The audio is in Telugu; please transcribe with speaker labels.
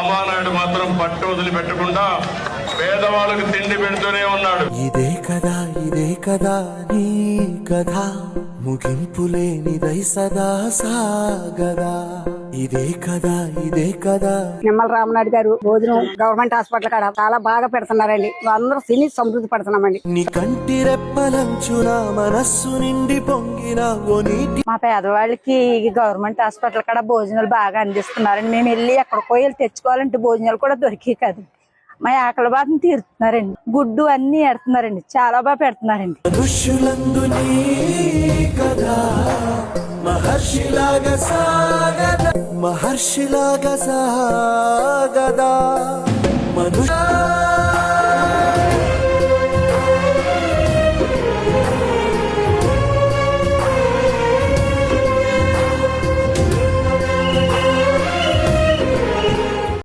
Speaker 1: రామానాయుడు మాత్రం పట్టు వదిలిపెట్టకుండా పేదవాళ్ళకు తిండి పెడుతూనే ఉన్నాడు.
Speaker 2: ఇదే కదా నీ కథ, ముగింపు లేనిదై సదా సాగదా. ఇదే కదా
Speaker 3: నిమ్మల రామనాయుడు గారు భోజనం గవర్నమెంట్ హాస్పిటల్ కాడ చాలా బాగా పెడుతున్నారండి. అందరూ తిని సమృద్ధి పడుతున్నామండి.
Speaker 2: నీ కంటి రెప్పలంచున మనస్సు నిండి పొంగిన ఓ నీటి.
Speaker 4: మా పేదవాళ్ళకి గవర్నమెంట్ హాస్పిటల్ కాడ భోజనాలు బాగా అందిస్తున్నారండి. మేము వెళ్ళి ఎక్కడికో వెళ్ళి తెచ్చుకోవాలంటే భోజనాలు కూడా దొరికే కాదు. మా ఆకలి బాధను తీరుతున్నారండి. గుడ్డు అన్ని ఎడుతున్నారండి, చాలా బాగా పెడుతున్నారండి.
Speaker 2: మనుష్యులందు నీ కదా మహర్షిలాగా సాగదా.